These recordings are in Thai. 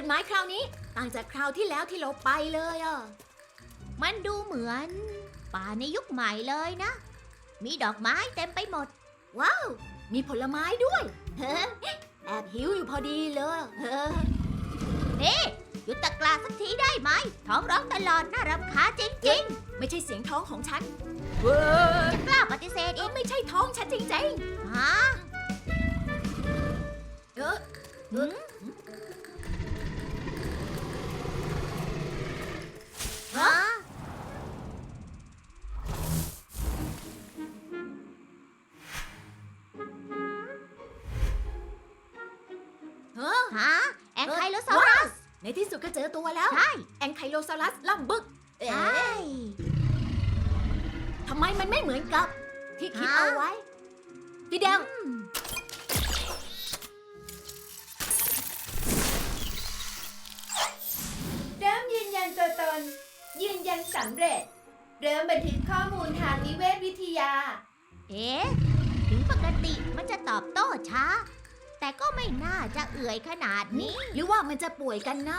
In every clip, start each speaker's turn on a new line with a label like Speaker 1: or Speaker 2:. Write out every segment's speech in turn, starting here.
Speaker 1: ไม้คราวนี้ต่างจากคราวที่แล้วที่เราไปเลยอ่ะ
Speaker 2: มันดูเหมือนป่าในยุคใหม่เลยนะ มีดอกไม้เต็มไปหมด
Speaker 1: ว้าว มีผลไม้ด้วย แอบหิวอยู่พอดีเลย
Speaker 2: นี่หยุดตะกร้าสักทีได้ไหม ท้องร้องตลอดน่ารำคาญจริง
Speaker 1: ไม่ใช่เสียงท้องของฉัน
Speaker 2: ๆ จะกล้าปฏิเสธอีก
Speaker 1: ไม่ใช่ท้องฉันจริง
Speaker 2: ฮะ
Speaker 1: ๆ
Speaker 2: หืมฮะ ฮะ แองไคโลซอรัส
Speaker 1: ในที่สุดก็เจอตัวแล้ว
Speaker 2: ใช่
Speaker 1: แองไคโลซอรัสล่ำบึก
Speaker 2: ใช่
Speaker 1: ทำไมมันไม่เหมือนกับ ที่คิดเอาไว้ พี่เดว
Speaker 3: เริ่มยืนยันตัวตน ยืนยันสำเร็จ เริ่มบันทึกข้อมูลทางนิเวศวิทยา
Speaker 2: เอ๊ะ ถึงปกติมันจะตอบโต้ช้า แต่ก็ไม่น่าจะเอื่อยขนาดนี้
Speaker 1: หรือว่ามันจะป่วยกันนะ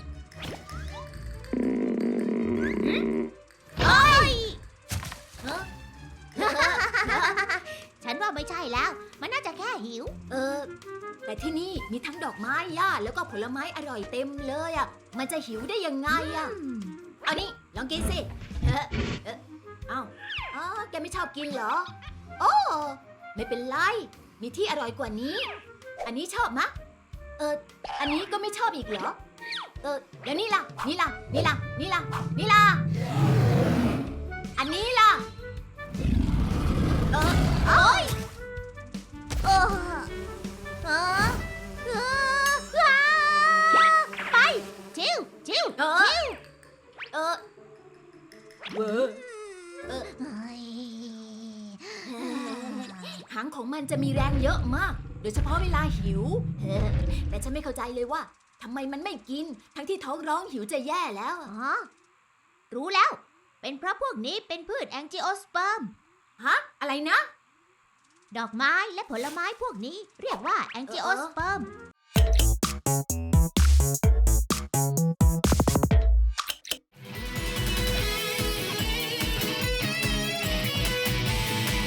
Speaker 2: เฮ้ย
Speaker 1: เออ
Speaker 2: ฉันว่าไม่ใช่แล้ว มันน่าจะแค่หิว
Speaker 1: แต่ที่นี่มีทั้งดอกไม้หญ้าแล้วก็ผลไม้อร่อยเต็มเลยอ่ะ มันจะหิวได้ยังไงอ่ะ เอานี่ลองกินสิเอ้าอ๋อแกไม่ชอบกินเหรอ โอ้ไม่เป็นไร มีที่อร่อยกว่านี้ อันนี้ชอบมะ อันนี้ก็ไม่ชอบอีกเหรอ แล้วนี่ล่ะ นี่ล่ะ นี่ล่ะ นี่ล่ะ นี่ล่ะ อันนี้ล่ะ
Speaker 2: โอ้ยเออเออเออไป ชิวชิว
Speaker 1: เออ เออเวอร์
Speaker 2: เฮ้ย
Speaker 1: หางของมันจะมีแรงเยอะมาก โดยเฉพาะเวลาหิว แต่ฉันไม่เข้าใจเลยว่าทำไมมันไม่กิน ทั้งที่ท้องร้องหิวจะแย่แล้ว
Speaker 2: อ๋อ รู้แล้ว เป็นเพราะพวกนี้เป็นพืชแองจิโอสเปิร์ม
Speaker 1: ฮะ อะไรนะ
Speaker 2: ดอกไม้และผลไม้พวกนี้เรียกว่าแองจิโอสเปิร์ม